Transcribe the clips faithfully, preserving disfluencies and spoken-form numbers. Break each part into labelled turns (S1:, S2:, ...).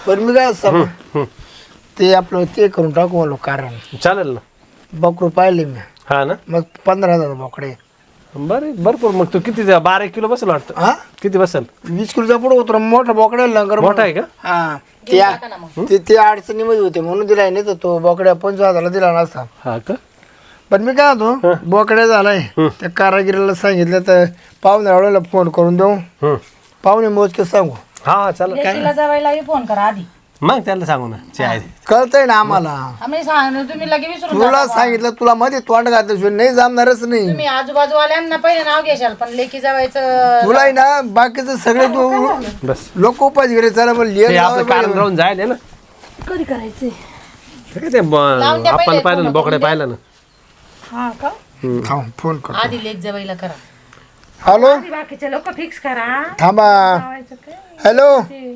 S1: पण मी काय सांगू ते आपलं ते करून टाकू म्हणलो कारण
S2: चालेल ना.
S1: बकरू पाहिले मी
S2: हा ना.
S1: मग पंधरा हजार बोकडे
S2: बरे भरपूर. मग तू किती जा- बारा एक किलो बसेल वाटतं.
S1: हा
S2: किती बसेल?
S1: वीस किलोचा पुढे उतर मोठा बोकड्या लंगर
S2: मोठा आहे का?
S1: हा त्या ते ते अडचणीमध्ये होते म्हणून दिलाय नाही तर तो बोकड्या पंचवीस हजारला दिला नसता.
S2: हा का?
S1: पण मी काय होतो बोकड्या झालाय त्या कारागिरीला सांगितलं तर पाहुण्याला फोन करून देऊ
S2: हम्म.
S1: पाहुणे मोजके सांगू.
S2: हा चालेल.
S3: लेकीला जावायला फोन करा आधी.
S2: मग त्याला सांगू ना चे आहे.
S1: कळतंय ना आम्हाला
S3: आम्ही सांग तुम्ही लगे विसरून
S1: तुला
S3: जाता बा.
S1: सांगितलं तुला मध्ये तोंड घातल्याशिवाय नाही जमणारच नाही.
S3: तुम्ही आजूबाजूवाल्यांना पहिले नाव घेशाल पण लेकी जावायचं
S1: तुला आहे ना बाकीचं सगळे तू
S2: बस
S1: लोक उपास घे चला पण
S2: ते आपलं कारण राहून जाईल ना.
S3: कधी करायचंय
S2: ठीक आहे ते ब-
S3: लावून द्या
S2: आपण
S3: पहिले,
S2: पाहिलं ना
S3: फोन
S2: बोकडे
S3: करून
S2: पाहिलं ना.
S3: हा का
S1: थांब फोन कर.
S3: आधी लेक जावायला करा.
S1: हॅलो
S3: बाकीचे लोक फिक्स करा.
S1: थांबा हॅलो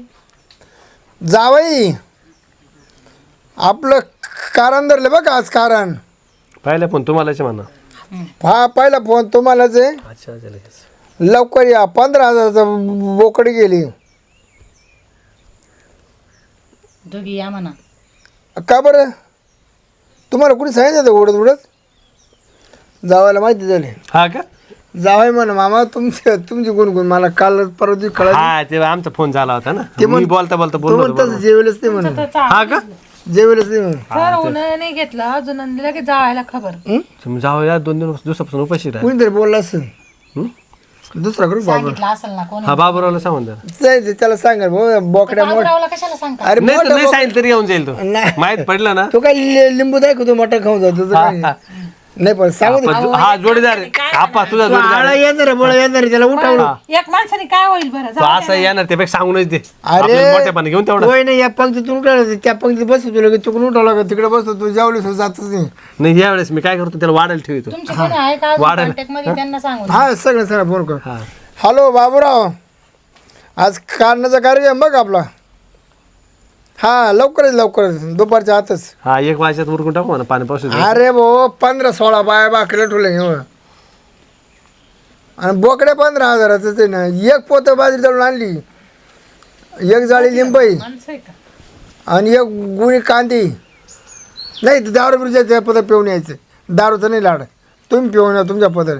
S1: जावई आपलं कारण धरलं बघ आज कारण
S2: पाहिलं पण तुम्हालाच म्हणा.
S1: हा पहिला फोन तुम्हालाच आहे
S2: अच्छा अच्छा लगेच.
S1: लवकर या पंधरा हजाराचा बोकडी गेली
S3: दोघी या म्हणा.
S1: का बरं तुम्हाला कुणी सांगितलं होतं उडत उडत जावायला माहिती झाली
S2: हा का?
S1: जावाय म्हण मामा तुमचे तुमची गुणगुण मला काल परवा दिवशी कळाली
S2: हा ते आमचा फोन झाला होता ना.
S1: ते
S2: मी
S1: म्हण-
S2: बोलता बोलता
S1: तो
S2: बोललो होतो
S1: म्हणतात जेवेलच नाही म्हणून
S2: बरोबर. हा का?
S1: जेवेलच नाही म्हणून
S3: सर उन्हाळ्याने नाही घेतलं अजून लगेच जावायला खबर.
S2: तुम्ही जाऊ या दोन दिवस दिवसापासून उपाशी राहा.
S1: कुणीतरी बोलला असेल
S2: हं?
S1: दुसरा करू बाबा
S3: सांगितलं असेल ना कोणी.
S2: हा बाबूरावला सांगून द्या.
S1: जायचं त्याला सांगा भाऊ बोकड्या मोठ
S3: बाबूरावला कशाला सांगता.
S1: अरे
S2: नाही तर
S1: मोठा
S2: नाही
S1: बोक-
S2: सांगितलं तरी येऊन जाईल तो.
S1: नाही.
S2: माहित पडलं ना.
S1: तो काय लि- लिंबू दाखवतो मोठा खाऊन जातो तुझं काय?
S2: हा.
S1: नाही पण सांगू दे.
S2: आपण- हा जोडीदार आहे. आपा तुझा
S1: तो
S2: जोडीदार
S1: आळा
S2: आहे.
S1: येणार बोला येणार आहे, त्याला उठावलं
S3: एक माणसाने काय होईल बरं
S2: तो असं येणार त्यापेक्षा सांगूनच दे.
S1: अरे
S2: आपल्याला मोठेपणा घेऊन तेवढं.
S1: होय नाही या पंक्तीतून उठायला त्या पंक्तीत बसतो तुला तिकडून उठावं लागत तिकडे बसतो तू जेवलीस जातच नाही.
S2: नाही यावेळेस मी काय करतो त्याला वाढायला ठेवतो.
S3: तुमचे कोणी आहे का
S2: वाढायला.
S3: कॉन्टॅक्ट मध्ये त्यांना सांगून.
S1: हा सगळं सगळं फोन कर.
S2: हा
S1: हॅलो बाबूराव आज कारणाचा कार्यक्रम बघ आपला हा लवकरच लवकरच दुपारच्या आतच.
S2: हा एक वाजच्यात उरकून टाकू म्हणा पाणी पाऊस येतो.
S1: अरे भाऊ पंधरा सोळा बाया बाकऱ्या ठेवले आणि बोकड्या पंधरा हजाराच आहे ना. एक पोत बाजरी दळून आणली एक जाळी लिंबाई
S3: माणसं आहे का.
S1: आणि एक गुणी कांदी नाही तर दारू बिरूच्या त्या पदर पिऊन यायचं दारूचं नाही लाड तुम्ही पिऊन या तुमच्या पदर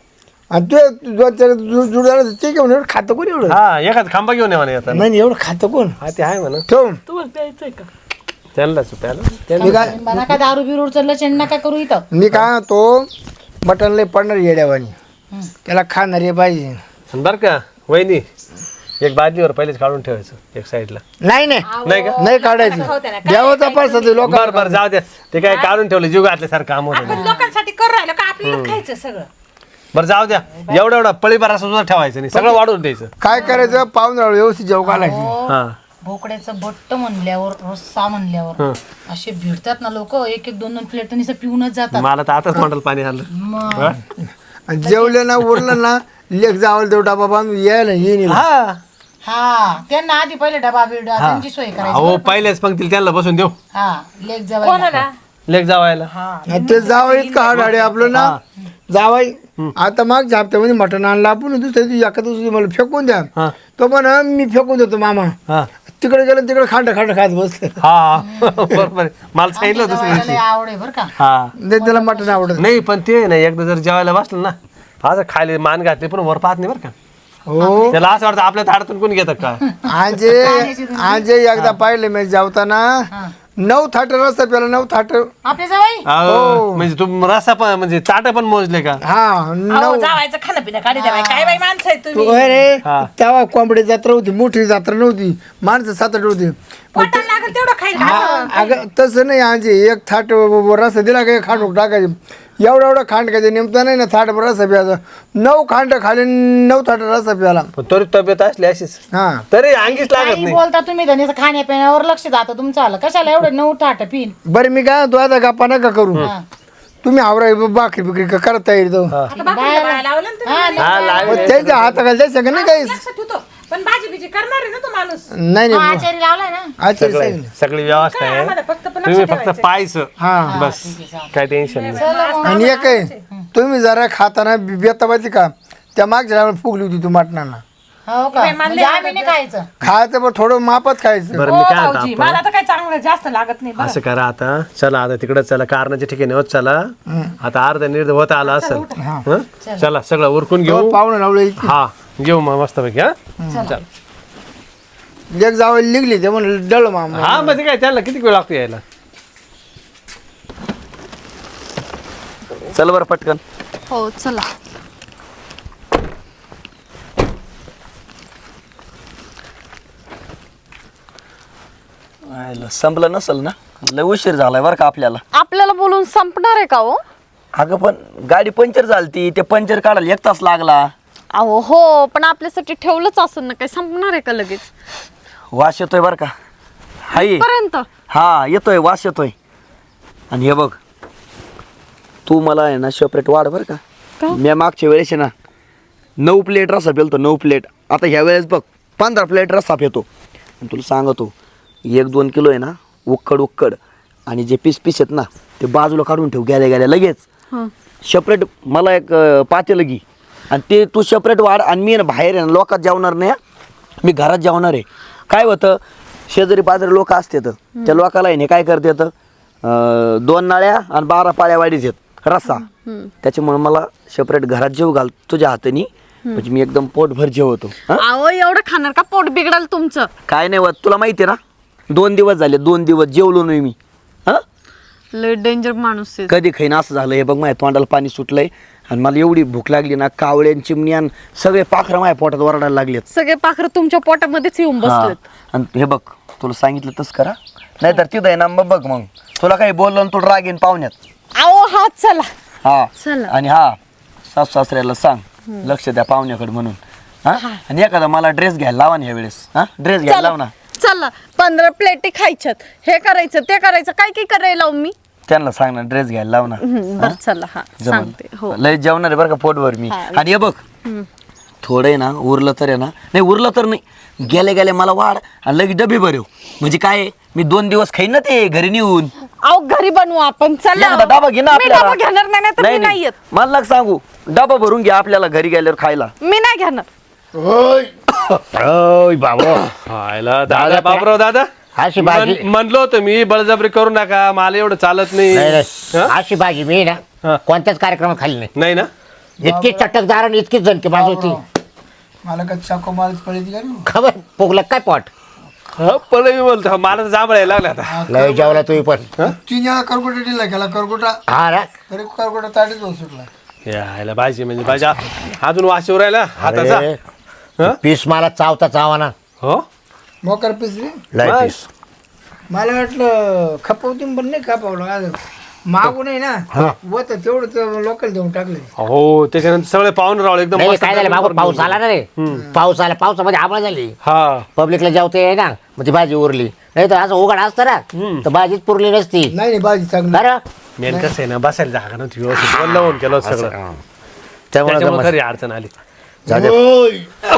S1: आणि ते दोन चार जुडाला ते घेऊन एवढं खातं कोण एवढं
S2: हा एखाद खांबा घेऊन ये म्हणा येतात.
S1: नाही एवढं खातं कोण
S2: हा ते आहे म्हणा.
S1: ठेव
S3: तुम्हाला प्यायचंय का.
S2: त्यांनाच प्यायला
S1: मी काय
S3: मला काय दारू बिरूर चाललं चेंड नका करू इथं.
S1: मी काय तो मटण लय पडणार येड्यावानी
S3: हं.
S1: त्याला खाणारे पाहिजे
S2: आणि बरं का वहिनी एक बाजूवर पहिलेच काढून ठेवायचं एक साईडला.
S1: नाही नाही
S2: नाही का?
S1: नाही काढायचं देवाचा पैसा ते लोक
S2: बरं बरं जाऊ द्या. ते काय काढून ठेवलं जीव घातल्यासारखं काम होतं.
S3: आपण लोकांसाठी करू राहिलो का आपल्याला खायचं सगळं.
S2: बरं जाऊ द्या. एवढा एवढा पळीभर सुद्धा ठेवायचं नाही सगळं वाढवून द्यायचं.
S1: काय करायचं पाहुणा व्यवस्थित जेव घालायची
S2: हा
S3: भोकड्याचं बट्ट म्हणल्यावर रस्सा म्हणल्यावर असे भिडतात ना लोक एक एक दोन दोन प्लेट पिऊनच जातात.
S2: मला तर आताच तोंडाला पाणी आलं.
S3: मग
S1: आणि जेवलं ना उरलं ना लेख जावं देऊ डबा बांधून यायला येईल
S2: हा
S3: हा त्यांना आधी पहिले डबा बिडा त्यांची सोय करायची.
S2: अहो पहिलेच पंक्तीला त्यांना बसून देऊ.
S3: हा लेक जावायला.
S2: लेक जावायला.
S1: ते जावं इतकं हाड हाडे आपलं ना जावाई आता मागच्या हप्त्यामध्ये मटण आणलं आपण दुसऱ्या दिवशी एका दिवशी मला फेकून द्या
S2: हा
S1: तो पण मी फेकून देतो मामा
S2: हा
S1: तिकडे गेलं तिकडे खांड खांड खात बसले
S2: हा बरोबर आहे. मला सांगितलं होतं
S3: जावायला
S2: दुसऱ्या
S3: लय आवड आहे बरं का.
S2: हा
S1: नाही त्याला मटण आवडत
S2: नाही पण ते नाही एकदा जर जेवायला बसलं ना असं खाली मान घातली पण वर पाहत नाही बरं का.
S1: हो
S2: त्याला असं वाटतं आपल्या थाडातून कोणी घेतात का.
S1: आजे आजे एकदा पाहिलं मी जेवताना
S3: हा.
S1: नऊ थाट रस्ता प्याला नऊ थाट
S3: आपले जावाई
S2: अहो, म्हणजे तू रस्सा पण म्हणजे चाट पण मोजले का.
S1: हा नऊ
S3: जावायचं खाणं पिणं काढी द्या काय बाई माणसं आहे तुम्ही.
S1: तू रे
S2: हा.
S1: तेव्हा कोंबडी जत्रा होती मोठी जत्रा नव्हती माणसं सात आठ होती
S3: पोटाला लागेल तेवढं खायला.
S1: हा, अगं तसं नाही आजी एक थाट रस्ता दिला का एक खांड टाकायचे एवढा एवढा खांड खायचं नेमता नाही ना थाट रस्ता प्यायचा नऊ खांड खाली नऊ थाट रस्ता प्याला
S2: पण तरी तब्येत असली अशीच
S1: हा
S2: तरी अंगीच लागत
S3: काही
S2: नाही.
S3: बोलता तुम्ही धनीचं खाण्यापिण्यावर लक्ष जातं तुमचं आलं कशाला एवढं नऊ ताट पिन.
S1: बरं मी काय तू आता गप्पा नका करू
S3: हा.
S1: तुम्ही आवरा बाकरी बिकरी का करत तयारी तो
S2: हा.
S3: हा,
S2: हा लागले.
S1: त्यांच्या हाताखाली द्यायचं का नाही काही
S3: पण भाजी बिजी करणार आहे ना तो माणूस.
S1: नाही नाही
S3: आचारी लावलाय ना.
S1: आचार्य
S2: सगळं
S1: सांगितलं
S2: सगळी व्यवस्था आहे तुम्ही फक्त पाहायचं
S1: हा
S2: बस काय टेन्शन नाही.
S1: आणि एक आहे तुम्ही जरा खाताना बेताबाती का त्या मागच्या टायमाला फुगली होती तू मटणाला
S3: हो का म्हणजे आम्ही नाही खायचं
S1: खायचं पण थोडं मापात खायचं.
S2: बरं
S4: हो
S2: मी काय म्हणतो
S4: भाऊजी
S2: आपण?
S4: मला तर काय चांगलं जास्त लागत नाही बरं.
S2: असं करा आता चला आता तिकडे चला कारणाच्या ठिकाणी होत चला आता अर्धा निर्ध होत आला असेल हं? चला सगळं उरकून घेऊ
S1: पाहुणे लावले इथे.
S2: हा घेऊ मग मस्तपैकी हा चल
S1: एक जावं लिगली ते म्हणलं डळ मामा.
S2: हा म्हणजे काय त्याला किती वेळ लागतो यायला
S5: चल बरं पटकन.
S6: हो चला.
S5: आयला, संपलं नसल ना? लय उशीर झालाय बरं का आपल्याला.
S6: आपल्याला बोलून संपणार आहे का हो?
S5: अगं पण गाडी पंक्चर झालती, ते पंक्चर काढायला एक तास लागला.
S6: अहो हो पण आपल्यासाठी ठेवलंच असेल ना, काही संपणार आहे का लगेच?
S5: वास येतोय बरं का? हाय
S6: पर्यंत
S5: हा येतोय, वास येतोय. आणि हे बघ तू मला आहे ना सेपरेट वाढ बरं का.
S6: का?
S5: मी मागच्या वेळेस आहे ना नऊ प्लेट रस्सा पेलतो, नऊ प्लेट. आता ह्या वेळेस बघ पंधरा प्लेट रस्सा पेतो. आणि तुला सांगतो एक दोन किलो आहे ना उक्कड उक्कड आणि जे पीस पीस आहेत ना ते बाजूला काढून ठेव गेल्या गेल्या लगेच. सेपरेट मला एक अं, पातेलं घे आणि ते तू सेपरेट वाढ. आणि मी ना बाहेर आहे ना लोकात जेवणार नाही, मी घरात जेवणार आहे. काय होतं शेजारी पाजारी लोक असतात त्या लोकाला आहे ना काय करतात अं, दोन नाळ्या आणि बारा पाळ्या वाढीत आहेत रस्सा. त्याच्यामुळे मला सेपरेट घरात जेव घाल तुझ्या हाताने, म्हणजे मी एकदम पोटभर जेवतो. हं?
S6: अहो एवढं खाणार का? पोट बिघडाल तुमचं.
S5: काय नाही होत, तुला माहिती आहे ना दोन दिवस झाले, दोन दिवस जेवलो नाही मी. हा
S6: लय डेंजर माणूस आहे.
S5: कधी खाईन असं झालं. हे बघ माझ्या तोंडाला पाणी सुटलंय आणि मला एवढी भूक लागली ना, कावळ्यान चिमण्यान सगळे पाखरं माझ्या पोटात ओरडायला लागलेत.
S6: सगळे पाखरं तुमच्या पोटामध्येच येऊन
S5: हा.
S6: बसलेत.
S5: आणि हे बघ तुला सांगितलं तस करा, नाहीतर तिथं आहे ना मग बघ मग तुला काही बोललो ना तू राग येईन पाहुण्यात.
S6: अहो हा चला
S5: हा
S6: चला.
S5: आणि हा सासू सासऱ्याला सांग लक्ष द्या पाहुण्याकडे म्हणून. हा आणि एखादा मला ड्रेस घ्यायला लावा ना ह्या वेळेस. हा ड्रेस घ्यायला लाव ना.
S6: चला पंधरा प्लेटी खायच्यात, हे करायचं ते करायचं, काय काय करायला लावू मी?
S5: त्यांना सांग ना ड्रेस घ्यायला लाव ना.
S6: हम्म, बरं चला हा सांगते. हो
S5: लय जेवणार आहे बरं का पोटभर मी.
S6: हा.
S5: आणि हे बघ थोडं आहे ना उरलं तर आहे ना, नाही उरलं तर नाही गेले गेले मला वाढ आणि लगेच डबे भरव. म्हणजे काय आहे, मी दोन दिवस खाईन ना ते घरी नेऊन.
S6: अहो घरी बनवू आपण. चला
S5: एखादा डबा घे ना
S6: मी
S5: आपल्याला.
S6: डबा घेणार नाही तर मी नाही येत.
S5: मला नका सांगू, डबा भरून घ्या आपल्याला घरी गेल्यावर खायला.
S6: मी नाही घेणार.
S1: होय
S7: ओय बाबा
S2: हायला दादा बाबराव दादा
S7: अशी भाजी
S2: म्हण- म्हणलो होतं मी बळजबरी करू नका, मला एवढं चालत
S7: नाही
S2: नाही.
S7: नाही. अशी भाजी मी
S2: हा.
S7: ना कोणत्याच कार्यक्रमात खाल्ली नाही.
S2: नाही ना
S7: इतकी चटकदार आणि इतकी जणकी भाजी होती.
S1: मला का चाको माल पळती का रे?
S7: खबर पोगलं काय पोट
S2: हा, पण मी बोलतो मला तर जांभळायला लागला आता.
S7: लय जेवला तुम्ही पण.
S1: तीन वेळा करकुटा दिला गेला करकुटा
S7: हा ना
S1: तरी करकुटा ताटीच होत सुटला.
S2: यायला भाजी म्हणजे भाजी अजून वाशीवर राहिला हाताचा.
S7: अरे,
S2: हा?
S7: पीस मला चावता चावाना
S2: हो
S1: मोकर पिसली
S7: लय
S2: बस.
S7: पीस.
S1: मला वाटलं खपवती पण नाही खपवलं आज मागू नाही ना होत तेवढं ते लोकल देऊन टाकले.
S2: हो त्याच्यानंतर सगळे पाहून रावले एकदम
S7: नाही
S2: मस्त
S7: काय झालं मागून पाऊस आला ना रे. पाऊस आला, पावसामध्ये आंबळ झाली.
S2: हा
S7: पब्लिकला जेवते आहे ना, मग ती भाजी उरली. नाही तर असं उघड असतं ना तर भाजीच पुरली नसती.
S1: नाही नाही भाजी चांगली.
S7: बरं
S2: मेन कसं आहे ना बसायला जागा नव्हती व्यवस्थित वल्ल होऊन केलं होतं सगळं.
S7: हा. त्यामुळे
S2: त्याच्यामुळे
S7: जमत-
S2: खरी अडचण आली.
S7: जाऊ दे.
S1: होय.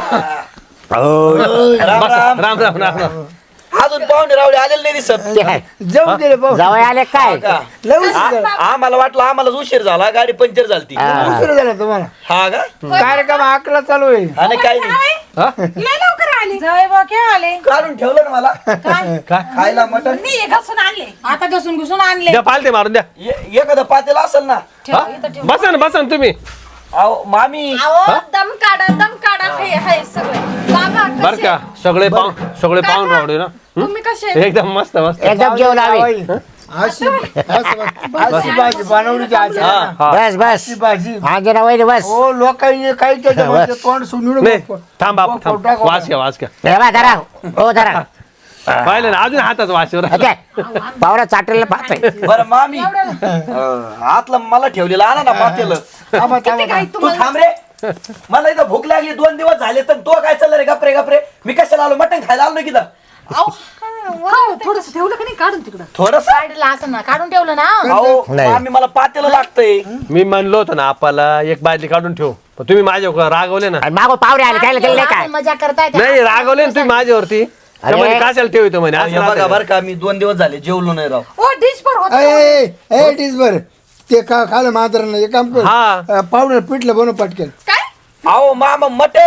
S5: राम राम.
S2: राम राम राम राम.
S5: अजून पाहुणे रावळे आलेले नाही दिसत.
S7: ते काय
S1: जाऊ दिले पाहू.
S7: जावई आले काय
S5: का?
S1: लय उशीर झाला.
S5: आ- आम्हाला वाटलं आम्हाला उशीर झाला, गाडी पंक्चर झालती.
S7: हा.
S1: उशीर झाला तुम्हाला.
S5: हा का
S1: कार्यक्रम अकरा चालू आहे.
S5: आणि काय नाही
S2: हा?
S4: लय लवकर आले जाय बा केव्हा आले
S5: काढून ठेवलं ना मला
S4: काय
S5: खायला मटण.
S4: मी हे घासून आणले
S3: आता घसून घुसून आणले
S2: द्या पालते मारून द्या.
S5: ए- एखादं पातेलं असेल ना.
S2: हा? बसा ना बसा ना तुम्ही.
S5: अहो मामी
S6: अहो दम काढा दम काढा. हे हाय सगळे बाबा
S2: बर
S6: कसे?
S2: का सगळे पाहून सगळे पाहून रावले ना.
S6: तुम्ही कसे?
S2: एकदम मस्त मस्त.
S7: एकदम जेवण हवे.
S1: जावई. अशी अशी अशी भाजी बनवली ती आज आहे ना.
S2: हा.
S7: बस बस
S1: अशी भाजी
S7: आंजना वैर बस.
S1: हो लोकांनी काही त्याच्यामध्ये तोंड सुनून
S2: नाही थांब बापू थांब वास घ्या वास घ्या.
S7: हे बा धरा हो धरा.
S2: पाहिलं ना अजून हाताच वाशीवर
S7: ओके पावरा चाटलेला पाहतोय.
S5: बरं मामी अं, आतलं मला ठेवलेलं आणा ना पातेलं.
S1: थांबा थांबा
S5: तू थांब रे, मला इथं भूक लागली दोन दिवस झाले तर तो काय चाललं रे गपरे गपरे. मी कशाला आलो, मटण खायला आलो की
S3: थोडस ठेवलं का नाही काढून तिकडं
S5: थोडस.
S3: काढलं असं ना काढून ठेवलं ना.
S5: अहो
S7: नाही.
S5: मामी मला पातेलं लागतंय.
S2: मी म्हणलो होतो ना आपल्याला एक बादली काढून ठेव, पण तुम्ही माझ्यावर रागवले ना.
S7: आणि मागो पावरे आले काय केलं काय.
S3: असं मजा करताय ते.
S2: नाही रागवले ना तुम्ही माझ्यावरती.
S7: अरे.
S2: म्हणे कशाला ठेवतो म्हणे असं
S5: हे बघा
S2: राहतं.
S5: बरं का मी दोन दिवस झाले जेवलो नाही राव.
S4: ओ डिश पर होत
S1: ए ए बर ते का खालं मात्र नाही एक काम कर
S2: हा.
S1: पावडर पिठलं बनव पटकेल.
S5: अहो मामा मटण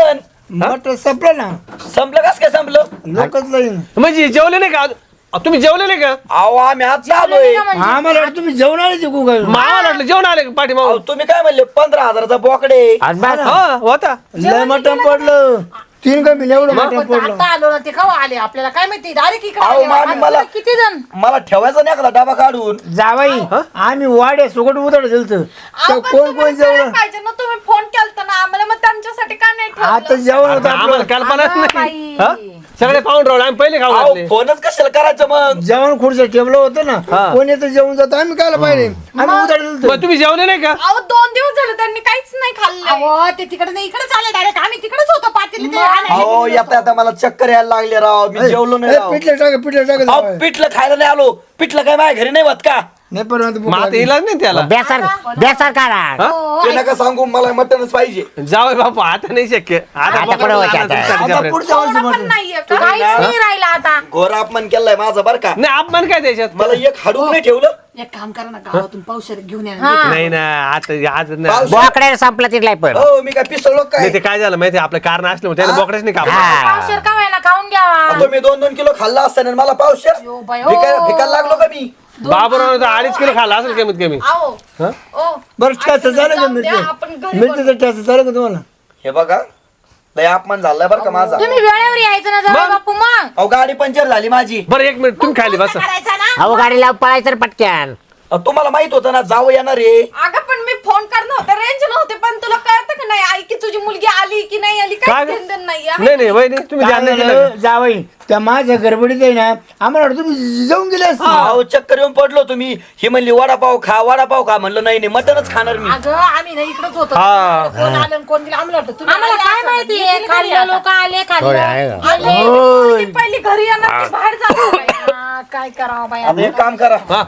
S1: मटण संपलं ना
S5: संपलं कस काय संपलं
S1: लोकच लाईन
S2: म्हणजे जेवले नाही का अ, तुम्ही जेवले नाही का
S5: अहो आम्ही आता आलोय
S1: आम्हाला वाटतं तुम्ही जेवण आले जिकू काय
S2: मावा वाटलं जेवण आले का पाठी
S5: अहो, तुम्ही काय म्हणले पंधरा हजाराचा बोकडे
S7: आणि बस.
S2: हा होता
S1: लय मटण पडलं तीन कमी एवढं मटण पडलं
S3: आता आलो ना ते खावा आले आपल्याला काय माहिती डायरेक्ट इकडे
S5: अहो,
S3: आले.
S5: मामी,
S3: आता
S5: मला-
S3: किती जण
S5: मला ठेवायचा नाही एखादा डबा काढून
S1: जावाई आम्ही वाड्या सुकट उतड दिलत
S6: अहो, पण
S1: कोण
S6: तुम्हाला
S1: कोण जेवण
S6: करायला पाहिजे ना तुम्ही फोन केलता ना आम्हाला मग त्यांच्यासाठी का नाही ठेवलं?
S1: आता जेवण होतं
S2: आम्हाला
S1: आपलं
S2: कल्पनाच
S3: अगं
S2: नाही
S3: बाई.
S2: हा? सगळे पाहून राहिले आम्ही पहिले खाऊ
S5: अहो
S2: घातले
S5: फोनच कशाला करायचं मग
S1: जेवण खुर्च्या टेबल होतं ना
S2: हा.
S1: कोण येतं जेवण जातं आम्ही कायला पाहिजे आम्ही उतड दिलत
S2: मग तुम्ही जेवले नाही का
S6: अहो दोन दिवस झाले त्यांनी काहीच नाही खाल्लं
S3: अहो ते तिकडे नाही इकडे चालले डायरेक्ट आम्ही तिकडेच होतो पाटील ते आले.
S5: अहो येता येता मला चक्कर यायला लागले राव मी जेवलो नाही राव
S1: पिठलं टाक पिठलं टाक
S5: अहो
S1: जावई.
S5: पिठलं खायला नाही आलो पिठलं काय माझ्या घरी नाही होत का
S1: नाही परत
S2: मग आता इलाज नाही त्याला
S7: बेसन बेसन काढा
S3: हो,
S5: ते नका सांगू मला मटनच पाहिजे
S2: जावय बापू आता नाही शक्य आता
S7: आता
S2: बघा
S7: कुठं व्हायचं
S2: आता
S7: आता?
S2: तुमच्या
S1: आता
S2: घरापर्यंत.
S1: पुढच्या वर्षी
S6: थोडं पण
S1: मटण
S6: नाहीये का?
S3: काहीच नाही राहिला आता
S5: घोर अपमान केलाय माझा बर का
S2: नाही अपमान काय त्याच्यात
S5: मला एक हाडूक नाही ठेवलं
S3: एक काम करा ना गावातून पावसाळ्यात घेऊन या हा.
S2: नाही ना आता आज नाही
S5: पाऊस-
S7: बोकडे संपला तिथला पण
S5: हो मी काय पिसळलो काय
S2: नाही, ते काय झालं माहिती आपलं कारण असलं त्याने बोकडेच नाही कापलं
S7: हा.
S3: पावशेर का व्हायला खाऊन घ्यावा
S5: तुम्ही दोन दोन किलो खाल्ला असताना मला पावशेर
S3: यो बाई, ओ.
S5: भिकायला लागलो का मी
S2: बाबूराव अडीच किलो खाल्ला असेल कमीत कमी
S6: अहो
S2: हा?
S6: ओ
S1: बरं ठ्याचं झालं का
S6: जाऊ द्या, आपण
S1: मिरची
S6: घरी
S1: मिरचीचं ठ्याचं झालं का तुम्हाला
S5: हे बघा लय अपमान झालाय बरं का माझा
S3: तुम्ही वेळेवर यायचं ना जरा बापू मग
S5: अहो गाडी पंक्चर झाली माझी
S2: बरं एक मिनिट तुम्ही खाली बसा
S3: करायचा ना
S7: अहो गाडीला पळायचं रे पटक्यान
S5: अहो, तुम्हाला माहित होतं ना जावं येणार रे
S6: अगं पण मी फोन करणं होतं रेंज नव्हते पण तुला कळतं का नाही आई की तुझी मुलगी आली की नाही आली
S2: काय
S6: काय
S2: ग?
S6: घेणं नाही आहे.
S2: नाही नाही वहिनी तुम्ही
S1: काय
S2: ध्यान नाही दिलं
S1: झालं, जावई त्या माझ्या गडबडीत आहे ना आम्हाला वाटतं तुम्ही जाऊन गेले असते
S5: अहो चक्कर येऊन पडलो तुम्ही ही म्हणली वडापाव खा वडापाव खा म्हणलं नाही नाही मटनच खाणार मी
S3: अगं आम्ही नाही इकडेच होतो
S2: हा.
S3: कोण आलं आणि कोण गेलं आम्हाला वाटतं तुम्ही आम्हाला
S6: आले
S3: काय
S6: असं
S3: माहिती
S6: येतील घरी
S3: खाल्लं
S6: आता.
S3: लोक आले
S7: होय,
S3: खाल्लं
S7: आहे का?
S3: आले.
S1: होय.
S6: ती पहिली घरी येणार ती बाहेर जाणार नाही.
S3: हा, काय करावं बाई
S5: आता एक काम करा
S2: हा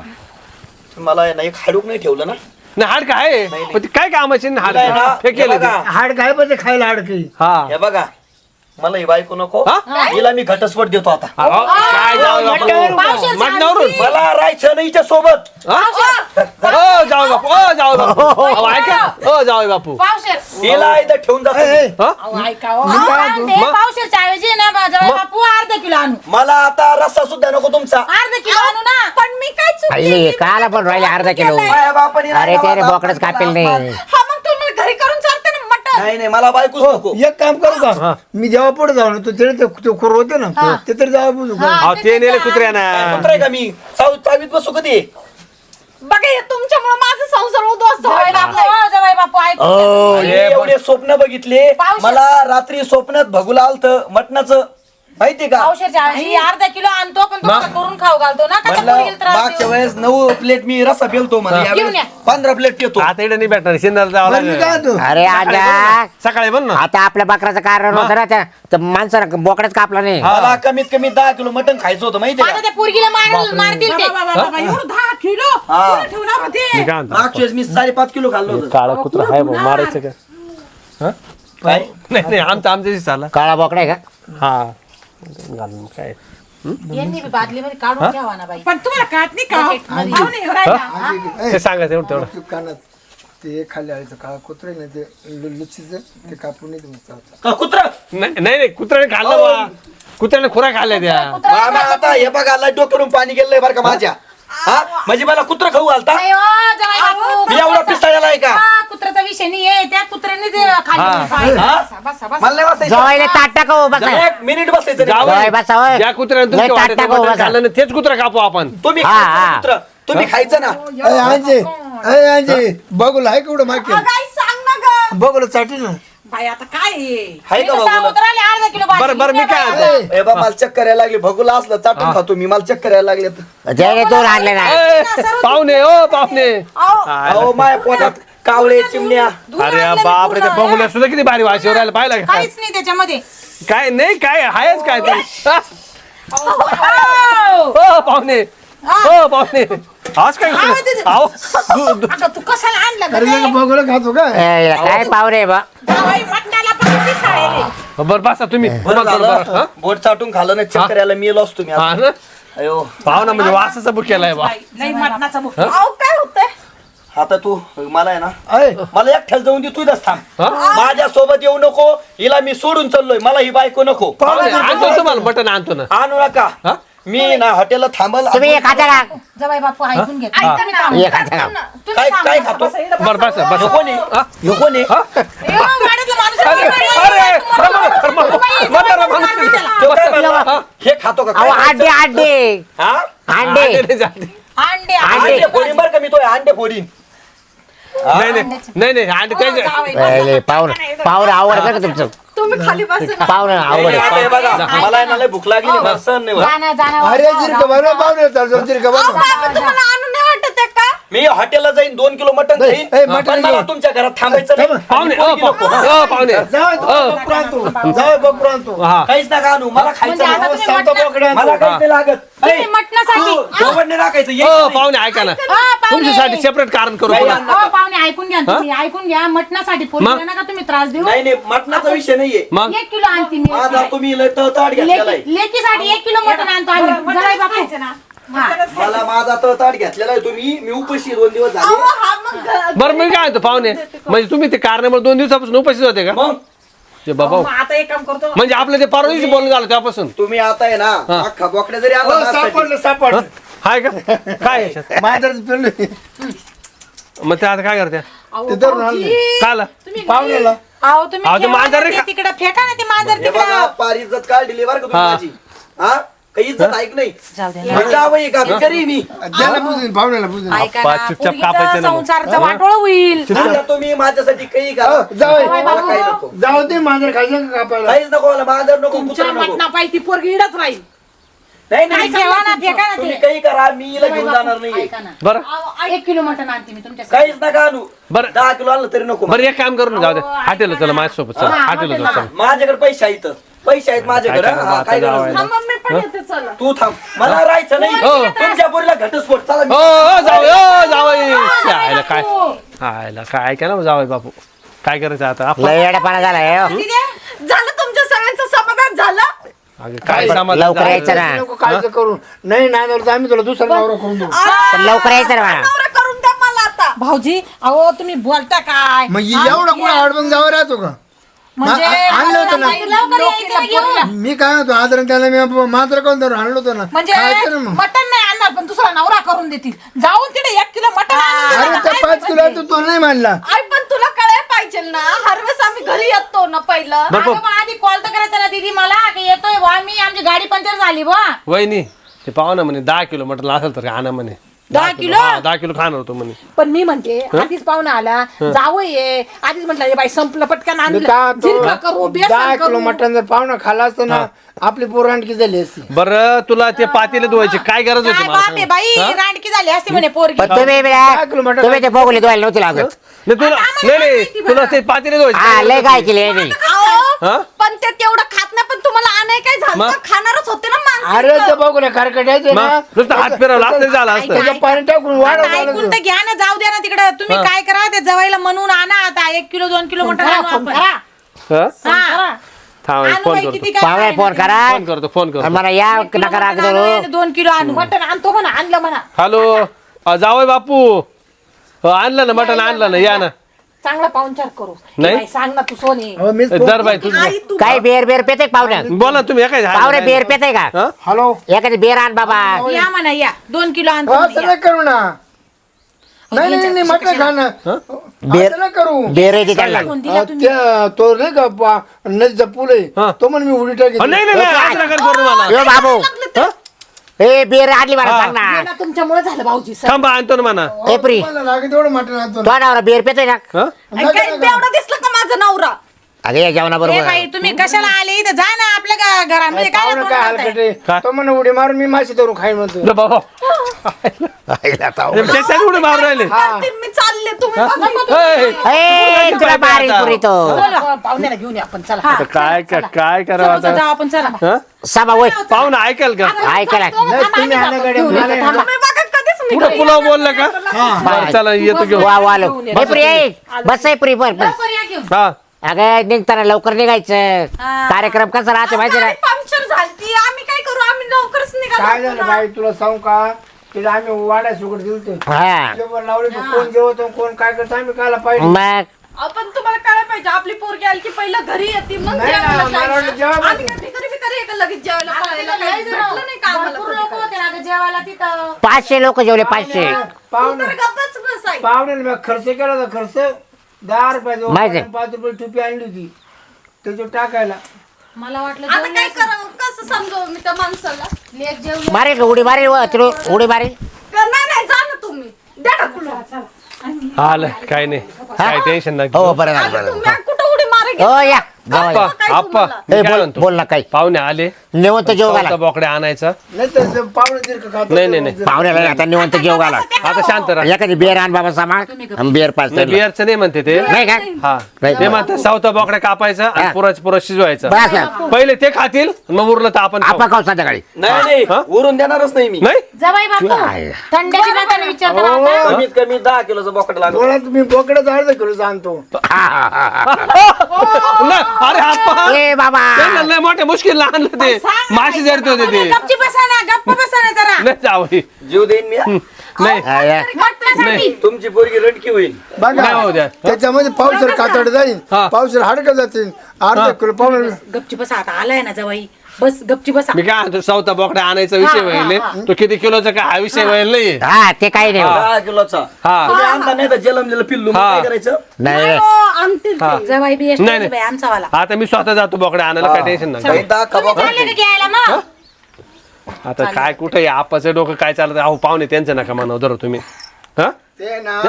S5: मला आहे ना एक हाडूक नाही ठेवलं ना
S2: नाही हाड काय पण ते काय कामाचे हाड
S5: काय ना,
S2: हे केलं
S5: हे
S2: ते.
S5: बघा,
S1: हाड काय पण ते खायला हाड काही
S2: हा
S5: हे बघा मला ही बायको नको
S2: हा?
S5: हिला मी घटस्फोट देतो आता
S2: अहो, काय जाऊ
S1: मटणावरून
S2: बापू मटणावरून
S5: मला राहायचं नाही हिच्या सोबत
S2: ओ जाऊ बापू ओ जाऊ बापू अहो, ऐका ओ जाऊ बापू
S3: पावशेर
S5: हिला इथं ठेवून जातो
S1: ए,
S5: मी.
S1: ए,
S2: हा?
S3: अहो, ऐका हो. ते पावशेरच्या ऐवजी ना माझा बापू अर्धा किलो आणू
S5: मला आता रस्ता सुद्धा नको तुमचा
S3: अर्धा किलो आणू ना
S6: पण मी काय चूक
S7: आई
S6: केली?
S7: काला पण राहिले अर्धा किलो
S5: माझ्या बापाने
S7: अरे
S5: नाही
S7: त्याने
S5: मला-
S7: बोकडच कापेल नाही
S6: हा मग तुम्ही घरी करून चालते ना मटण
S5: नाही नाही मला बायकोच नको
S1: एक काम करू का मी जेव्हा पुढे जाऊ ना तो तिथे ते ते खोर होते ना ते तरी जावा बुजू का
S2: अहो ते नेले कुत्र्याना
S5: कुत्र आहे का मी चाव चावीत बसू कधी
S6: बघा हे तुमच्यामुळे माझा संसार उद्ध्वस्त
S3: जवाई
S6: व्हायला
S3: बापू
S6: लागलाय.
S3: हो, जवाई बापू ऐक
S5: मी एवढे स्वप्न बघितले
S3: पावशे-
S5: मला रात्री स्वप्नात भगुला आलत मटणाचं माहितीये का
S3: पावशेरच्या ऐवजी अर्धा किलो आणतो पण तुम्हाला करून खाऊ घालतो ना कशा
S5: म्हणलं
S3: पोरगीला त्रास
S5: मागच्या
S3: देऊ?
S5: वेळेस नऊ प्लेट मी रस्सा पेलतो मला
S3: घेऊन
S5: यावेळेस
S3: या.
S5: पंधरा प्लेट येतो
S2: आता इकडे नाही भेटणार शिंदाला जावं
S1: बरं, मी काय
S2: लागेल
S1: म्हणतो?
S7: अरे आजा
S2: सकाळी बन ना
S7: आता आपल्या बकराचं कारण होतं ना त्या तर माणसानं बोकड्याच कापला नाही
S5: मला कमीत कमी दहा किलो मटण खायचं होतं माहितीये
S3: आता
S5: का
S3: त्या पोरगीला मारल मारतील ते
S4: एवढं दहा किलो
S5: हा.
S4: कोणी ठेवणार होते
S2: मी काय म्हणतो
S5: मागच्या वेळेस मी साडेपाच किलो खाल्लं होतं
S2: काळा कुत्रा आहे भाऊ मारायचं का
S5: काय
S2: नाही नाही आमचं आमच्याशी चालला
S7: काळा बोकडा आहे का
S2: हा घालून काय
S3: यांनी बी बादलीमध्ये काढून ठेवा ना बाई
S4: पण तुम्हाला कळत नाही का हो? पाहुणे येऊ राहिला.
S2: ते सांगायचं एवढं तेवढं
S1: तू कानात ते खाली आलं काळा कुत्रे ना ते लु- लुच्चीचं ते कापून नाही देऊ चालतं.
S5: का कुत्रा
S2: नाही नाही नाही, कुत्र्याने खाल्लं बा कुत्र्याने खुरा खाल्ल्या त्या
S5: मामा आता हे बघा लाईट करून पाणी गेलंय बरं का माझ्या हा म्हणजे मला कुत्र खाऊ घालता
S3: नाही हो, जवाई बापू.
S5: मी एवढा पिसाळ्याला आहे का
S3: हा, कुत्र्याचा विषय नाही आहे त्या कुत्र्याने ते खाल्ली
S2: हा.
S3: पाय.
S5: हा?
S3: बसा, बसा, बसा.
S5: मला नाही बसायचं
S7: जवायला ताट टाका हो बसा
S5: एक मिनिट बसायचं नाही.
S2: जावई.
S7: जवाई बसा होय.
S2: ज्या कुत्र्याने
S7: लय
S2: तुमच्या
S7: ताट
S2: वाट्यात
S7: टाका हो
S2: मटण
S7: बसा
S2: खाल्लं ना तेच कुत्रा कापू आपण
S5: तुम्ही
S7: हा,
S5: खायचं ना
S7: हा.
S5: कुत्रं. तुम्ही खायचं ना
S1: ए, अंजे ए अंजे बघूला आहे केवढं मागे
S6: अगं, आई सांग ना ग
S1: बघूला साठी ना
S4: बाई आता काय आहे?
S5: हाय
S3: मी
S5: का
S3: तर
S5: बघूला
S3: सांगून राहिले अर्धा किलो भाजी.
S2: बरं बरं मी काय म्हणतो?
S5: ए बा मला चक्कर यायला लागली भगुला असलं चाटून खातो मी मला चक्कर यायला लागले
S7: त्याने दोन आणले ना
S2: ए, पाहुणे ओ पाहुणे
S5: अहो माय पोटात कावळे चिमण्या
S2: अरे बाप रे ते बघूला सुद्धा किती भारी वाशीवर राहिला पाहिला का
S3: काहीच नाही त्याच्यामध्ये
S2: काय नाही काय आहेच काय ते हा? ओ पाहुणे ओ पाहुणे आज काय आहो दु- दु-
S3: अगं, तू कशाला आणलं
S1: अरे
S3: गं ते?
S1: बघूला खातो का
S7: ए, याला काय पावरे बा
S4: जावई मटणाला पण किती साडेले.
S2: बरं बसा तुम्ही
S5: बरं
S2: बरं, बरं,
S5: झालं
S2: बरं, हा?
S5: बोट चाटून खाल्लं ना चक्कर यायला मी असतो मी
S2: हा
S5: आता.
S2: ना
S5: अयो
S2: पाहुणा म्हणजे वासाचा बुक केलाय बा
S4: बाई, नाही मटणाचा मुख
S6: अहो काय होतंय
S5: आता तू मला आहे ना
S1: अय
S5: मला एकट्याला जाऊन दे तू इथंच थांब माझ्या सोबत येऊ नको हिला मी सोडून चाललोय मला ही बायको नको
S2: पाहुणे, आणतो तुम्हाला मटण आणतो ना
S5: आणू नका
S2: हा?
S5: मी ना हॉटेलला थांबल
S7: तुम्ही एक खाता का
S3: जवाई बापू ऐकून घे
S6: ऐका ना.
S7: एक खाता का
S5: काय काय खातो
S2: बरं बस बस
S5: ह्यो कोण आहे ह्यो कोण आहे
S3: एवढा गाडीतला माणूस
S2: अरे अरे म्हातारा माणूस.
S5: तो काय म्हणला? हे खातो का
S7: अहो
S5: काय
S7: अंडे अंडे
S5: हा
S7: अंडे
S2: अंडे नाही झाले.
S3: अंडे
S5: अंडे फोडीन बरं का मी तो अंडे फोडीन
S2: नाही नाही नाही नाही अंडे त्याचे
S7: पहिले पाहुणं पाहुणं आवडतं का तुमचं
S6: तुम्ही खाली बसा.
S7: पाहुणं
S5: नाही, नाही, आता हे
S7: आवडत
S5: बघा मला आहे ना लय भूक लागली मला सहन नाही होत.
S3: जाणार जाणार
S1: अरे जिरका बनव पाहुणे चालतो जिरका
S6: अहो,
S1: बनव
S6: बाबा, तुम्हाला आणून नाही वाटत आहे का?
S5: मी हॉटेलला जाईन दोन किलो मटन
S1: नाही,
S5: खाईन
S1: ए, मटण
S5: पण मला
S1: घेऊन.
S5: तुमच्या घरात थांबायचं नाही
S2: पाहुणे
S5: आणि
S2: ओ
S5: पोरगी नको.
S2: पाहुणे, ओ पाहुणे
S1: जाऊ बकरू आणतो जाऊ बकरू आणतो
S2: हा
S5: काहीच नका आणू मला खायचं
S3: म्हणजे आता
S5: नाही.
S3: तुम्ही
S1: सांगतो
S3: मटण-
S1: बोकडे
S5: मला
S1: आणतो
S5: काहीच नाही लागत
S3: तुम्ही मटणासाठी
S5: जेवण नाही टाकायचं
S2: ओ
S5: यायचं नाही.
S2: पाहुणे ऐका ना
S3: हा, पाहुणे.
S2: तुमच्यासाठी सेपरेट कारण करू
S5: नाही
S2: पुन्हा.
S5: आणणार.
S3: हो पाहुणे ऐकून घ्या तुम्ही ऐकून घ्या मटणासाठी पोरीला नका तुम्ही त्रास देऊ
S5: नाही नाही मटणाचा विषय नाहीये
S2: मग
S3: एक किलो आणते मी
S5: माझा तुम्ही लय तळताट घेतलेला आहे
S3: लेकीसाठी एक किलो मटण आणतो आम्ही जवाई बापू हा.
S5: मला माझा तळताट घेतलेला आहे तुम्ही मी उपाशी दोन दिवस
S6: अहो,
S5: झाले
S6: हा मग घ-
S2: बरं मी काय म्हणतो पाहुणे म्हणजे तुम्ही ते कारणामुळे दोन दिवसापासून उपस्थित होते का
S5: मग
S2: ते बाबा
S4: मग आता एक काम करतो
S2: म्हणजे आपलं ते परवा दिवशी बोलणं झालं त्यापासून
S5: तुम्ही आता आहे ना
S2: हा.
S5: अख्खा बोकड्या जरी
S1: हो,
S5: आला ना
S1: सापडलं सापडलं
S2: हाय का काय याच्यात?
S1: माझ्याच पिल्लू
S2: मग ते आता काय करते
S1: ते धरून आणलं
S2: काय आलं?
S1: पाहुण्याला
S3: अहो तुम्ही
S2: अहो, ते
S3: ठेवा
S2: मांजर
S3: ना
S2: रे
S3: ते
S2: का?
S3: तिकडे फेका ना ते मांजर
S5: हे बघा
S3: तिकडे
S5: पार इज्जत काढ दिली बरं का तुम्ही
S2: हा.
S5: माझी हा काही इज्जत ऐक नाही
S3: जाऊ दे
S5: म्हणजे आवई का भिकारी मी
S1: त्याला पुजून पाहुण्याला पुजून
S3: ऐका
S2: पा-
S3: ना
S2: चुपचाप
S3: पोरीचं
S2: कापायचं ना मग.
S3: संसारचं वाटोळ होईल
S5: आता तुम्ही माझ्यासाठी काही करा
S1: हो, जाऊ
S5: मला काही नको
S1: जाऊ ते माझं खायचं का कापायला
S5: काहीच नको मला माझं नको
S4: तुमच्या
S5: कुत्रा नको
S4: मटणा पाहिजे ती पोरगी इडच राहील
S5: नाही
S3: नाही
S5: नाही
S3: ठेवा ना फेका ना
S5: तुम्ही
S3: ते
S5: काही करा मी हिला घेऊन जाणार नाही
S3: ऐका ना
S2: बरं
S3: अहो, एक किलो मटण आणते मी तुमच्यासाठी
S5: काहीच नका आणू
S2: बरं.
S5: दहा किलो आणलं तरी नको
S2: बरं एक काम करू ना जाऊ दे हॉटेलला चला माझ्यासोबत चला
S3: हा,
S2: हॉटेलला जाऊ
S3: हॉटेलला.
S2: चला
S5: माझ्याकडे पैसे आहेत पैसे आहेत माझ्याकडे
S2: काय करा,
S5: हा, काय
S2: आता
S5: गरज
S2: जावं
S5: नाही.
S6: हा, मम्मी पण येते चला.
S5: तू थांब मला राहायचं नाही
S2: हो.
S5: तुमच्या पोरीला घटस्फोट चला
S2: ओ
S5: मी-
S2: ओ, जाऊ ओ जाऊ आयला काय आयला काय ऐका ना जावई बापू काय करायचं आता आपण
S7: लय येडापाना झालाय हो.
S6: झालं तुमच्या सगळ्यांचं समाधान झालं.
S2: अगं, काय समाधान
S7: लवकर
S2: झालं?
S7: यायचं ना
S1: नको काळजी करू नाही नांदवर तर आम्ही तुला दुसरा नवरा करून देऊ
S7: पण लवकर यायचं ना मला.
S6: नवरा करून द्या मला आता.
S3: भाऊजी अहो तुम्ही बोलता काय
S1: मग एवढा कुठं आडबंग जावं राहतो का
S3: म्हणजे
S1: आ- आणलं होतं ना.
S3: लवकर यायचं ना घेऊन.
S1: मी काय होतो आदरण त्याला मी मात्र कोण धरून आणलो होतो ना
S3: म्हणजे
S1: खायचं ना मग
S3: मटण नाही आणणार पण दुसरा नवरा करून देतील जाऊन तिथे एक किलो मटण आणून दे
S1: अरे
S3: ना.
S1: त्या पाच किलो आहे तो तो नाही मानला
S6: आई पण तुला कळायला पाहिजे ना हर वेळेस आम्ही घरी येतो ना पहिलं.
S2: बरं,
S3: अगं, मग आधी कॉल तर करायचा ना दीदी मला की येतोय बुवा मी आमची गाडी पंक्चर झाली बुवा
S2: वहिनी ते पाहू ना म्हणे दहा किलो मटण असेल तर आणा म्हणे
S3: दहा किलो?
S2: हा, दहा किलो खाणार होतो म्हणे
S4: पण मी म्हणते आधीच पाहुणा आला जावं ये आधीच म्हटलं "हे बाई संपलं पटकन
S1: मी
S4: आणलं
S1: काय
S4: झिरका करू
S1: तो
S4: बेसन
S1: दहा
S4: करू
S1: किलो मटण जर पाहुणा खाला असतं ना आपली पोरांडकी झाली असती
S2: बरं तुला ते पातेले धुवायची काय गरज होती
S3: काय
S2: मला
S3: बाप आहे
S2: सांग?
S3: बाई
S2: हा?
S3: रांडकी झाली असते म्हणे पोरगी
S7: पण तुम्ही बी-
S1: दहा किलो मटण
S7: तुम्ही ते बघले धुवायला नव्हते लागत
S2: नाही तुला नाही नाही तुला ते पातेले धुवायचे
S7: हा
S2: काय
S7: लय
S2: गरज
S7: काय
S2: होती?
S7: केली यांनी.
S6: अहो,
S2: हा?
S6: पण ते तेवढं खात नाही पण तुम्हाला आणाय काय झालं
S2: मग?
S6: खाणारच होते ना
S1: अरे
S6: माणसं.
S1: ते बघू ना खरकटायचे ना
S2: मग नुसतं हात फिरवला असतं तरी झालं असतं
S1: त्याचं पाणी टाकून
S3: आता
S1: वाढव
S3: ऐकून तर घ्या ना जाऊ द्या ना तिकडे तुम्ही
S2: हा.
S3: काय करा ते जवायला म्हणून आणा आता एक किलो दोन किलो मटण आणू आपण
S2: हा?
S3: हा.
S2: थांब
S3: आणू
S2: फोन
S3: बाई,
S2: करतो
S3: किती काय
S7: पाहुणे
S3: पाहिजे
S7: फोन
S3: ते.
S7: करा
S2: फोन करतो फोन
S7: आणि
S2: करतो
S7: मला या
S3: किलो
S7: नका राग
S3: मटण आणू
S7: धरू
S3: आणि दोन किलो आणू
S4: मटण आणतो म्हणा आणलं म्हणा
S2: हॅलो जावय बापू हो, आणलं ना मटण आणलं ना या ना
S4: चांगला पाहुणचार करू
S2: नाही?
S4: बाई, सांग ना तू सोनी
S1: हो, मीच
S2: दर बाई तुझं
S6: आई तू
S7: काही बेर बेर पेते पाहुण्या
S2: बोला तुम्ही काय
S7: पाहुणे बेर पेते का
S2: हा?
S1: हॅलो
S7: एखादी बेर आण बाबा
S3: या म्हणा या दोन किलो आणतो
S1: हो,
S3: म्हणे,
S1: असं
S3: या.
S1: नाही करू ना नाही नाही नाही मटण खाणं
S7: बेर-
S1: असं नाही करू
S7: बेर येते त्याला
S3: कोण दिला
S1: अ,
S3: तुम्ही
S1: त्या तो नाही का पा- नदीचा पूल
S2: हा.
S1: आहे तो म्हण मी उडी टाकी
S2: हो, नाही नाही नाही, आज नका करू मला
S7: यो बाबू ए बेर आणली मला सांग ना
S4: हे ना तुमच्यामुळे झालं भाऊजी
S2: थांबा आणतो ना म्हणा
S7: ए प्री
S1: लागेल तेवढं मटण आणतो ना.
S7: तो नवरा बेर पेतोय ना
S2: हा?
S6: आई, काय बेवडा दिसला का माझा नवरा.
S7: अगं या जेवणा
S3: ए
S7: बरोबर
S3: बाई तुम्ही कशाला आले इथं जा ना आपल्या गा- घरामध्ये काय
S1: पाहुणं काय
S3: बोलताय?
S1: हलकट आहे.
S2: काय?
S1: तो म्हण उडी मारून मी माशी धरून खाईन म्हणतो
S2: लो बाबा त्याच्यात उडे मारून राहिले
S6: करते, मी चालले तुम्ही बघा.
S2: ए,
S7: ए तुला मारील पुरी तो
S4: पाहुण्याला घेऊन या आपण चला
S2: आता काय काय काय
S3: चला,
S2: करावं
S3: चला,
S2: आता
S3: जाऊ आपण चला
S2: हा?
S7: सभा वय
S2: पाहून ऐकाल का
S7: ऐकायला
S1: नाही तुम्ही आणा गाडी मला नाही आणा.
S6: तुम्ही बघा कधीच नाही.
S2: पुढे पुलाव बोलला का बरं, चला येतो घेऊन
S7: वा वा लो ए प्री ए, बस आहे प्री बस बस
S3: लवकर या घेऊन
S2: हा
S7: अगं निघताना लवकर निघायचं कार्यक्रम कसा राहते माहिती ना
S6: गाडी पंक्चर झाली आम्ही काय करू आम्ही लवकरच
S1: काय झालं
S6: निघालो.
S1: बाई तुला सांगू का तिला आम्ही वाड्या सुगड दिलतो
S7: हा
S1: जेवण लावले कोण जेवतो कोण काय करतो आम्ही कायला पाहिजे
S7: मग
S6: आपण तुम्हाला कळायला पाहिजे आपली पोरगी आली की पहिलं घरी येते मग
S1: नाही ना,
S6: जेवायला
S1: मला वाटलं
S6: जायचं.
S1: जेवायला
S6: आम्ही काय भिकारी भिकारी आहे का लगेच जेवायला पळायला? काही भेटलं नाही का आम्हाला
S3: भरपूर
S6: कधी
S3: लोक
S6: काय?
S3: होते ना ग जेवायला तिथं.
S7: पाचशे लोक जेवले पाचशे
S6: तू
S1: पाहुणे
S6: तर गप्पच बसाय.
S1: पाहुण्याला मी खर्च केला होता खर्च दहा रुपयाचा
S7: माहिती आहे.
S1: पाच रुपये टुपी आणली होती त्याच्यावर टाकायला
S3: मला वाटलं
S6: आता
S3: जेवले
S6: काय
S3: असेल.
S6: करावं कसं समजावं मी त्या माणसाला?
S3: लेक जेवले.
S7: मारेल का उडी मारेल व तिकडे उडी मारेल
S6: नाही नाही जा ना तुम्ही द्या ढकलून.
S2: आलं काय नाही काय टेन्शन नाही
S7: हो बरं झालं, बरं
S6: आले तुम्ही कुठं उडी मारे
S7: झालं. हो या जावई.
S2: आप्पा
S6: काय
S2: आप्पा
S6: तुम्हाला?
S2: मी
S7: ए,
S2: काय
S7: बोल
S2: म्हणतो
S7: बोल ना काही
S2: पाहुणे आले
S7: निवंत जेव घाला
S2: चौथा बोकडे आणायचा
S1: नाही तर पाहुणे जर का खातो
S2: नाही, नाही, नाही.
S7: पाहुण्याला आता निवंत जेव घाला
S2: आता शांत राहा
S7: एखादी बिअर आण बाबा सामान आणि बिअर पाच
S2: नाही बिअरचं नाही म्हणते ते
S7: नाही का
S2: हा
S7: नाही.
S2: ते म्हणतात सावता बोकडा कापायचा आणि
S7: हा.
S2: पुराच पुरा शिजवायचा
S7: बस ना.
S2: पहिले ते खातील मग उरलं तर आपण खाऊ.
S7: आपण खाऊ संध्याकाळी
S5: नाही नाही
S2: हा?
S5: उरून देणारच नाही मी
S2: नाही
S3: जवाई बापू
S7: काय?
S3: थंड्याची बातमी विचारतो ना आता.
S5: कमीत कमी दहा किलोचा बोकड लागतो
S1: डोळ्यात तुम्ही बोकड्याचा अर्धा किलो आणतो
S7: हा, हा, हा, हा.
S2: नाही, अरे आप्पा
S7: ए बाबा
S2: त्यांना लय मोठ्या मुश्किल आणलं ते माशी जरते होते ते
S4: गपची बसा ना गप्प बसा ना जरा
S2: नाही जावई
S5: जीव देईन मी हा.
S2: नाही
S7: हा, या.
S2: नाही
S5: तुमची पोरगी रडकी होईल
S2: नाही
S1: बघा
S2: होऊ द्या
S1: त्याच्यामध्ये पावसर कातड जाईल
S2: हा.
S1: पावसर हाडकं जातील अर्धा किलो पाहुणे
S4: गपची बसा आता आलाय ना जवाई बस गपची बसा
S2: मी काय म्हणतो चौथा बोकडा आणायचा विषय व्हायले तो किती किलोचा काय हा विषय व्हायला नाही
S7: हा ते काही नाही
S5: दहा किलोचा
S2: हा
S5: तुम्ही आणता नाही तर जलमलेलं पिल्लू मग
S2: हा.
S5: काय करायचं
S7: नाही
S4: आणतील
S2: हा.
S4: जवाई बी
S2: नाही, नाही.
S4: बाई आमचा वाला
S2: आता मी स्वतः जातो बोकडा आणायला काय टेन्शन
S5: काही
S2: नाही
S5: दहा का बोकड
S3: चालले का घ्यायला मग
S2: आता काय कुठे आपाचं डोकं काय चालत अहो पाहुणे त्यांचं नका म्हणा धरो तुम्ही हा
S1: ते ना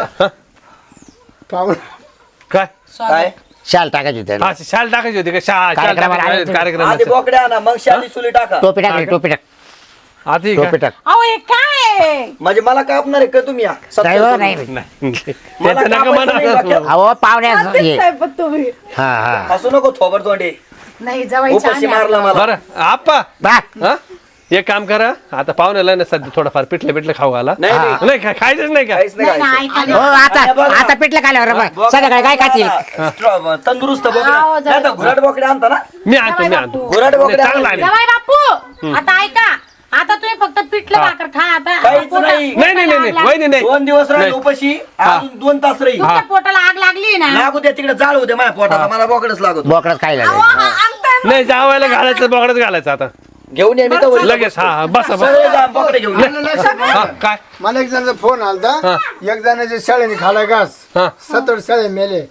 S1: पाहुणे
S2: काय
S5: काय
S7: शाल टाकायची त्याला
S2: हा शाल टाकायची होती का शा- शाल
S7: कार्यक्रमाला
S2: टाकायची
S7: आले
S2: होती,
S7: तुम्ही.
S2: कार्यक्रम
S5: आधी बोकडे आणा मग शाली सुली टाका
S7: टोपी टाक टोपी टाक
S2: आधी
S7: टोपी
S2: का?
S7: टाक
S4: अहो हे काय
S5: म्हणजे मला कापणार आहे का तुम्ही या? सत्तर
S7: नाही हो,
S5: करून.
S7: नाही
S2: नाही
S5: मला
S2: त्यांचं नका
S5: कापायचं नाही
S2: म्हणा
S5: डोक्यात.
S7: अहो पाहुण्यास ये
S6: दिसताय पण तुम्ही.
S7: हा हा
S5: हसू नको थोबर तोंडे
S4: नाही जवाई
S5: उपाशी मारला मला
S2: बरं आप्पा
S7: बा
S2: हा एक काम करा आता पाहुण्याला ना सध्या थोडंफार पिठलं पिठलं खाऊ घाला
S5: नाही, नाही.
S2: नाही खा- खायचंच नाही का
S5: काहीच नाही खायचं.
S7: हो आता
S5: आणि बघा.
S7: आता पिठलं खाल्यावर बा.
S5: बोकडा
S7: संध्याकाळी काय खातील
S5: आणा. स्ट्रॉ- तंदुरुस्त बोकडे नाही तर घुराट बोकडे आणता ना
S2: मी आणतो मी आणतो
S5: घुराट बोकडे
S2: नाही, चांगला
S5: आणा.
S2: आहे.
S3: जवाई बापू आता ऐका आता तुम्ही फक्त पिठलं
S2: हा.
S3: भाकर खा आता
S5: काहीच
S3: पोटा-
S5: नाही
S2: नाही नाही नाही नाही वहिनी नाही
S5: दोन दिवस राहील
S2: नाही.
S5: उपाशी अजून दोन तास राहील
S3: तुमच्या पोटाला आग लागली ना
S5: लागू द्या तिकडे जाळ होते माझ्या पोटाचा मला बोकडच लागत
S7: बोकडच खायला
S6: अहो, हा, आणताय ना.
S2: नाही जावायला घालायचं बोकडाच घालायचं आता
S5: घेऊन ये मी तर वरी.
S2: लगेच हा हा बसा बसा
S5: सगळे जा बोकडे घेऊन ये.
S2: हा काय
S1: मला एक जणांचा फोन आलता
S2: हा.
S1: एक जणाच्या शाळेने खाला घास
S2: हा
S1: सत्तर शाळे मेले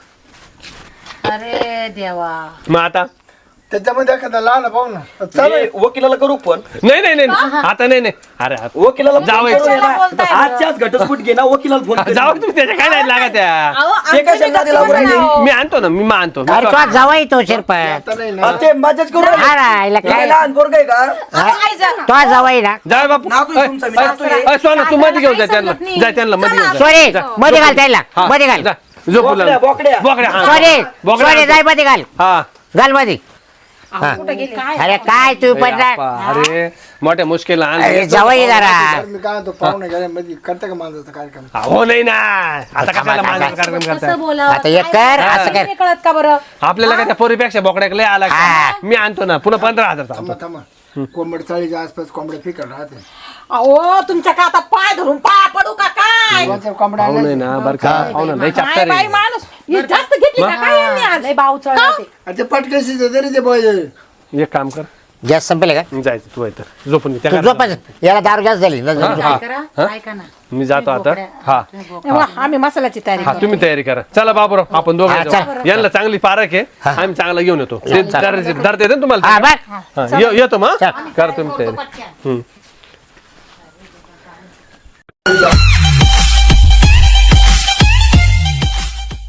S3: अरे देवा
S2: मग आता
S1: त्याच्यामध्ये एखादा लहान पाहू ना चालू
S5: मी वकिलाला करू फोन
S2: नाही नाही नाही आता नाही नाही अरे
S5: वकिलाला फोन
S2: जावई.
S5: करून ये ना.
S3: बोलताय ना.
S5: आजच्याच घटस्फोट घे ना वकिलाला फोन कर.
S2: जाऊ तुम्ही त्याच्या काय नाही लागत त्या
S6: अहो,
S5: ते
S6: आमच्या
S5: कशाला
S6: घरी
S5: लागू राहिले?
S2: मी आणतो ना मी आणतो
S7: अरे तो जवाई तो शिरपत
S1: आता नाही ना
S5: हा, ते माझ्याच करू राहिले.
S7: हा ना, हिला
S5: काय
S7: काय
S5: लहान पोरग आहे का
S7: तो जवाई ना
S2: जाय बापू
S5: नातू आहे तुमचा, मी नातू आहे.
S2: अय, सोना तू मध्ये घेऊन जा त्यांना जाय त्यांना मध्ये घेऊन जा
S7: सोरे
S2: जा.
S7: मध्ये घाल त्याला
S2: हा,
S7: मध्ये घाल
S2: जा. झोपू
S5: बोकड्या,
S2: लागला.
S5: बोकड्या.
S2: बोकड्या हा.
S7: सोरे
S2: बोकड्या
S7: सोरे
S2: आणतो.
S7: जाय मध्ये घाल
S2: हा
S7: घाल मध्ये हा. अरे काय तू
S2: अरे
S7: पण
S2: आप्पा, अरे मोठ्या मुश्किल
S7: अरे जवाई जरा
S1: मी काय म्हणतो पाहुणे गेल्यामध्ये करता का माझा कार्यक्रम
S2: हो नाही ना आता कशाला माझा कार्यक्रम करताय
S3: कसं बोलावं
S7: आता एक कर असं कर
S4: नाही कळत का बरं
S2: आपल्याला काय त्या पोरीपेक्षा बोकड्याक लय आला का?
S7: हा.
S2: मी आणतो ना पुन्हा पंधरा हजार
S1: थांबा थांबा कोंबड चाळीच्या आसपास कोंबड्या फिकट राहते
S4: अहो तुमच्या का आता पाय धरून पाया पडू का काय
S1: दोनच्या कोंबड्या
S2: पाहू नाही
S1: आणल्या.
S2: ना बरं का पाहू ना लय
S4: काय
S2: चाप्टर
S4: बाई
S2: आहे
S4: माणूस ही जास्त घेतली का काय यांनी आज लय भाव चढवते
S1: आणि ते पटकशी तरी ते पाहिजे
S2: एक काम कर
S7: गॅस संपेल का
S2: जायचं तू तर झोपून घे. त्या
S7: तू
S2: घरात
S7: झोप याला दारू जास्त झाली न-
S2: हा.
S3: काय करा ऐका ना
S2: मी जातो आता हा
S4: तेव्हा आम्ही मसाल्याची तयारी
S2: हा तुम्ही तयारी करा चला बाबूराव आपण दोघे
S7: हा,
S2: जाऊ.
S7: चल.
S2: यांना चांगली पारख आहे आम्ही चांगला घेऊन येतो ते दर दर देते ना
S7: हा
S2: तुम्हाला
S7: बघ
S2: हा, ये- येतो मग
S7: चल.
S2: करा तुम्ही तयारी
S3: पटकन.
S2: हम्म.